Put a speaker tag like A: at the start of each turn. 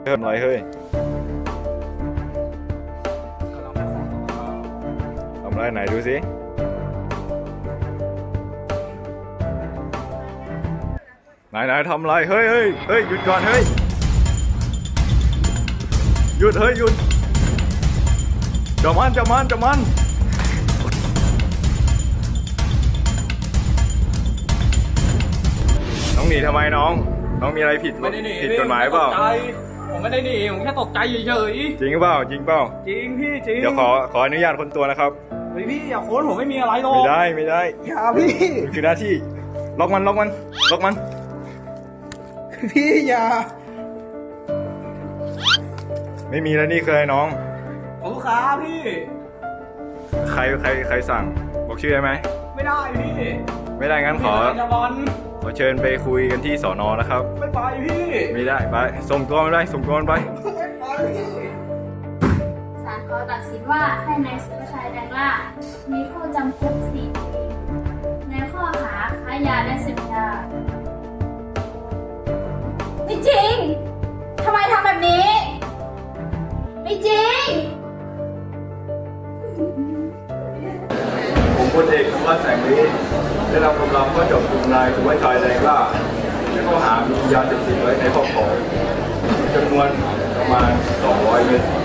A: เพิ่มอะไรเฮ้ยทำอะไรไหนดูสิไหนทำอะไรเฮ้ยหยุดก่อนเฮ้ยหยุดเฮ้ยหยุดจับมันน้องหนีทำไมน้องมีอะไรผิดกฎหมายเปล่า
B: ผมไม่ได้หนีผมแค่ตกใจเฉย
A: จริงเปล่า
B: จริงพี่จริง
A: เดี๋ยวขออนุญาตคนตัวนะครับ
B: เฮ้ยพี่อย่าค้นผมไม่มีอะไรหรอก
A: ไม่ได้
B: อย่าพี่
A: มันคือหน้าที่ล็อกมัน
B: พี่อย่า
A: ไม่มีแล้วนี่เคยน้อง
B: ของลูกค้าพี่
A: ใครสั่งบอกชื่อได้ไหม
B: ไม่ได้พี่
A: ไม่ได้งั้นขอเชิญไปคุยกันที่สน.นะครับ
B: ไม่ไปพี่
A: ไม่ได้ไปส่งตัวมันไป
B: ไม่ไปพี่
C: ศาลขอตัดสินว่าให้นายสุภชัยแดงล่ามีโทษจำคุก4 ปีในข้อหาค้ายาและเสพยาไม่จริงทำไมทำแบบนี้ไม่จริง
A: ผมพลเอกธวัชแสงฤทธิ์ได้นำกำลังเข้าจับกุมนายสุภชัยแดงล่าในข้อหามียาเสพติดไว้ในครอบครองจำนวนประมาณ200 เม็ด